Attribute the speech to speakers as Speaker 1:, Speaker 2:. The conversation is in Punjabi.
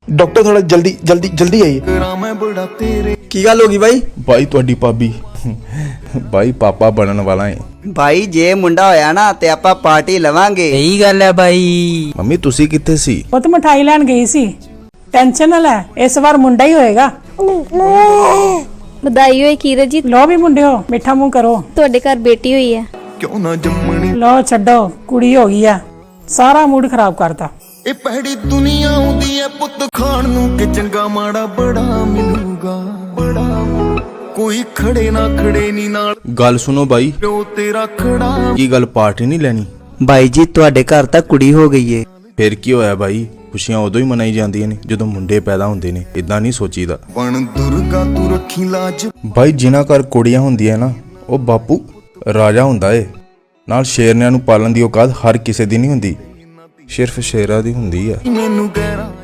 Speaker 1: डॉक्टर थोड़ा जल्दी जल्दी जल्दी आइए।
Speaker 2: की गल होगी भाई?
Speaker 3: भाई तुहाडी भाभी भाई पापा बनन वाला है।
Speaker 2: भाई जे मुंडा होया ना ते आपां पार्टी लवांगे।
Speaker 4: सही गल है भाई।
Speaker 3: मम्मी तुसी कित्थे सी?
Speaker 5: ਪੁੱਤ ਮਠਾਈ ਲੈਣ ਗਈ ਸੀ। ਟੈਨਸ਼ਨ ਨਾ ਲੈ, ਇਸ ਵਾਰ ਮੁੰਡਾ ਹੀ ਹੋਏਗਾ।
Speaker 6: ਵਧਾਈ ਹੋਏ ਕੀਰਤ ਜੀ,
Speaker 5: ਲੋ ਵੀ ਮੁੰਡਿਓ ਮਿੱਠਾ ਮੂੰਹ ਕਰੋ।
Speaker 6: ਤੁਹਾਡੇ ਘਰ ਬੇਟੀ ਹੋਈ ਹੈ।
Speaker 5: ਲੋ ਛੱਡੋ, ਕੁੜੀ ਹੋ ਗਈ ਆ। ਸਾਰਾ ਮੂਡ ਖਰਾਬ ਕਰਤਾ।
Speaker 7: ਇਹ ਪਹਿੜੀ ਦੁਨੀਆ ਆਉਂਦੀ ਐ ਪੁੱਤ ਖਾਣ ਨੂੰ ਕਿ ਚੰਗਾ ਮਾੜਾ ਬੜਾ ਮਿਲੂਗਾ ਬੜਾ ਕੋਈ ਖੜੇ ਨਾ ਖੜੇ ਨੀ ਨਾਲ
Speaker 3: गल सुनो भाई
Speaker 7: ਪਿਓ ਤੇਰਾ ਖੜਾ
Speaker 3: की गल पार्टी नहीं लैनी?
Speaker 2: भाई जी ਤੁਹਾਡੇ ਘਰ ਤਾਂ ਕੁੜੀ ਹੋ ਗਈ ਏ।
Speaker 3: फिर की होया भाई? खुशियां उदों ही मनाई जांदियां ने जदों मुंडे पैदा हुंदे ने, इदां नहीं सोचीदा।
Speaker 7: ਬਣ ਦੁਰਗਾ ਤੂੰ ਰੱਖੀ ਲਾਜ
Speaker 3: भाई जिन्हां घर कुड़ियां हुंदियां ना ਉਹ ਬਾਪੂ ਰਾਜਾ ਹੁੰਦਾ ਏ। ਨਾਲ ਸ਼ੇਰਨਿਆਂ ਨੂੰ ਪਾਲਣ ਦੀ ਔਕਾਤ ਹਰ ਕਿਸੇ ਦੀ ਨਹੀਂ ਹੁੰਦੀ, ਸਿਰਫ ਸ਼ੇਰਾਂ ਦੀ ਹੁੰਦੀ ਆ।
Speaker 7: ਮੈਨੂੰ ਗਹਿਰਾ